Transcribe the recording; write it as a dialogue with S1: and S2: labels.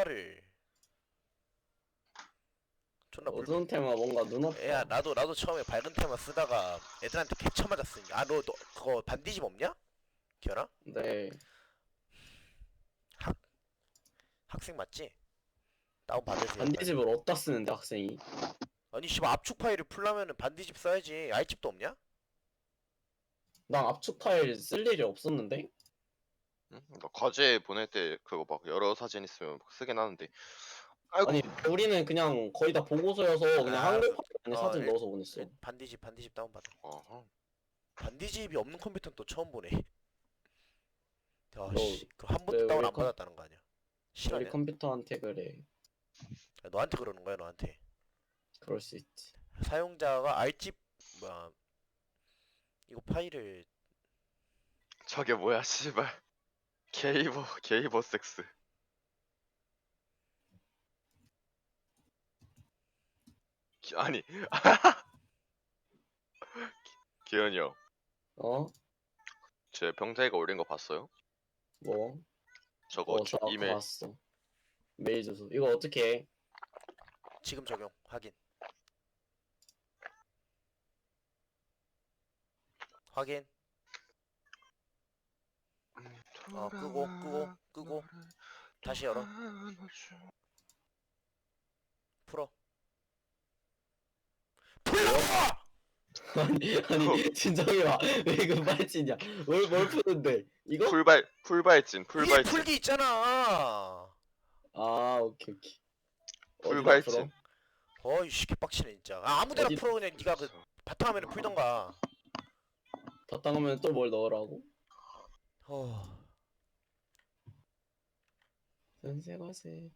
S1: 테마를 존나
S2: 어두운 테마 뭔가 눈
S1: 야,
S2: 아파.
S1: 나도 처음에 밝은 테마 쓰다가 애들한테 개쳐 맞았으니까. 아, 너 그거 반디집 없냐? 기현아?
S2: 네.
S1: 학생 맞지? 다운 받으세요 빨리.
S2: 반디집을 어디다 쓰는데 학생이?
S1: 아니 씨발 압축 파일을 풀려면은 반디집 써야지. 알집도 없냐?
S2: 난 압축 파일 쓸 일이 없었는데?
S3: 응? 나 과제 보낼 때 그거 막 여러 사진 있으면 막 쓰긴 하는데. 아이고.
S2: 아니 우리는 그냥 거의 다 보고서여서 그냥
S1: 아,
S2: 한글 파일 안에 사진
S1: 일,
S2: 넣어서 보냈어.
S1: 반디집 다운 받아.
S3: 어허.
S1: 반디집이 없는 컴퓨터는 또 처음 보네. 야,
S2: 너
S1: 씨, 그 한
S2: 왜
S1: 번도 다운
S2: 우리
S1: 안 받았다는 거 아니야?
S2: 우리
S1: 실화냐?
S2: 컴퓨터한테 그래.
S1: 야, 너한테 그러는 거야, 너한테.
S2: 그럴 수 있지.
S1: 사용자가 알집 뭐야? 이거 파일을
S3: 저게 뭐야 씨발. 게이버 섹스. 아니. 기현이 형.
S2: 어?
S3: 제 병태이가 올린 거 봤어요?
S2: 뭐?
S3: 저거
S2: 저 아까
S3: 이메일.
S2: 봤어. 메일 주소. 이거 어떻게 해?
S1: 지금 적용 확인. 확인. 끄고 다시 열어. 풀어. 풀라고!
S2: 아니 진정해 봐. 왜 그 빨치냐? 뭘 푸는데? 이거?
S3: 풀발진.
S1: 위에 풀기 있잖아.
S2: 아 오케이. 어디다
S3: 풀발진.
S2: 풀어?
S1: 어이 씨 개빡치네 진짜. 아, 아무데나
S2: 어디-
S1: 풀어 그냥 네가 그 바탕화면에 풀던가.
S2: 다 따가면 또 뭘 넣으라고?
S1: 어.
S2: 선생과세.